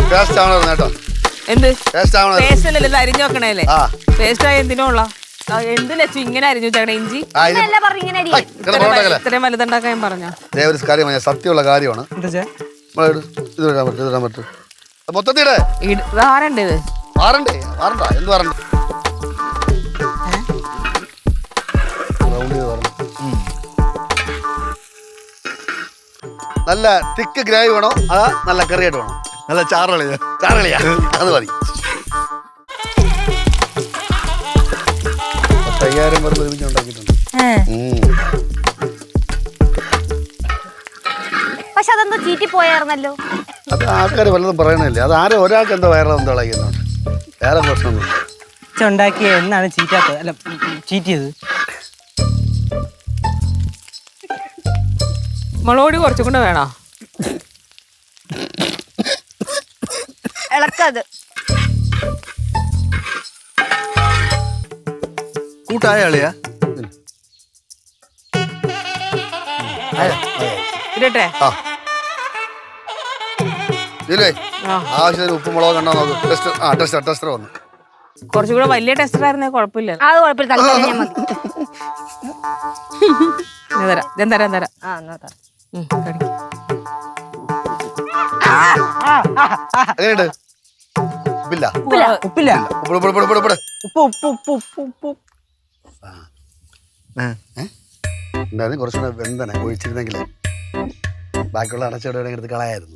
Taste ആവണം കേട്ടോ. എന്ത് ടേസ്റ്റ് ആവണം. പേസ്റ്റ് അല്ലല്ലോ ഇത് അരിഞ്ഞു വെക്കണേല്ലേ? പേസ്റ്റ് ആയ എന്തിനുള്ള എന്ത് ലച്ചു ഇങ്ങനെ അരിഞ്ഞു വെച്ചേക്കണേ? ഇഞ്ചി ഇത്രയും വലുതുണ്ടാക്കാൻ ഞാൻ പറഞ്ഞോ? ഒരു കാര്യം സത്യമുള്ള കാര്യമാണ്. മൊത്തത്തിടെ ആരണ്ട് ഇത് മാറണ്ടേ? മാറണ്ട. എന്ത് മാറണ്ട? നല്ല തിക്ക് ഗ്രേവി വേണോ അതാ നല്ല കറിയായിട്ട് വേണോ? നല്ല ചാറളിയാ. ചാറളിയാ അത് മതി. 5000 പേർക്ക് ഒരുമിച്ച് ഉണ്ടാക്കിയിട്ടുണ്ട്. പക്ഷെ അതെന്തോ ചീറ്റി പോയായിരുന്നല്ലോ. അത് ആൾക്കാർ വല്ലതും പറയണല്ലേ. അത് ആരും ഒരാൾക്ക് എന്തോ വയറെന്തോ ഇളകുന്നുണ്ട്. വേറെ പ്രശ്നമൊന്നും ഉണ്ടാക്കിയ എന്നാണ് ചീറ്റാത്തത്? അല്ല ചീറ്റിയത്. മുളക് കുറച്ചും കൂടെ വേണോ? ഇളക്കത് കൂട്ടായ അളിയാ. ഇരട്ടെ ആവശ്യത്തിന് ഉപ്പ് മുളക് കണ്ടോ നോക്ക്. ടെസ്റ്റർ വന്നു. കുറച്ചുകൂടെ വലിയ ടെസ്റ്റർ ആയിരുന്നേ കുഴപ്പമില്ല. അത് കുഴപ്പമില്ല. തരാം. എങ്ങനെയുണ്ട്? ഉപ്പില്ല. ഉപ്പില്ല. എന്തായാലും കുറച്ചുകൂടെ വെന്തനെ ഒഴിച്ചിരുന്നെങ്കിൽ ബാക്കിയുള്ള അടച്ചോടെ എടുത്ത് കളയായിരുന്നു.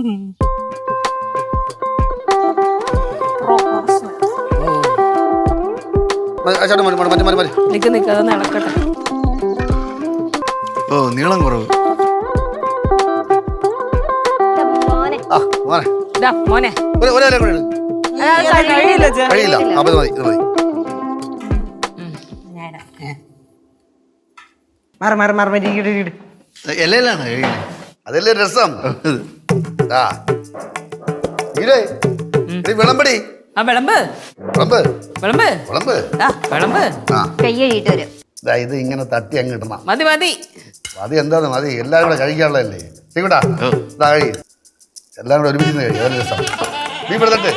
നടക്കട്ടെ. ഓ നീളം കുറവ്. മോനെ കഴിയില്ല. അത് മതി. ഇത് മതി. ഇലയിലാണ് അതല്ലേ രസം. വിളമ്പടി. ഇത് ഇങ്ങനെ തട്ടി അങ്ങ് ഇടണം. മതി. എന്താന്ന് മതി. എല്ലാരും കൂടെ കഴിക്കാനുള്ളതല്ലേ? ശരിക്കൂട്ടാ കഴി. എല്ലാം കൂടെ ഒരുമിച്ച് കഴിയും. അതല്ലേ രസം. നീ ഇവിടെ തട്ട്.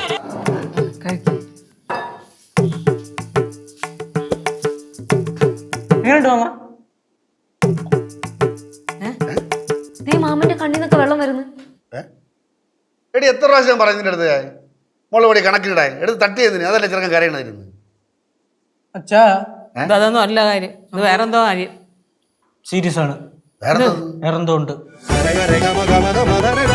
മാമന്റെ കണ്ണിന്നൊക്കെ വെള്ളം വരുന്നു. എടി എത്ര പ്രാവശ്യം പറയുന്നതിന്റെ അടുത്ത് മുളക് പൊടി കണക്കിനിടാൻ എടുത്ത് തട്ടിയതിന്. അതല്ലേ ചെറുക്കൻ കരയണമായിരുന്നു. അതൊന്നും അല്ല കാര്യം. ഇത് വേറെന്തോ കാര്യം. സീരിയസ് ആണ്. വേറെന്തോ ഉണ്ട്.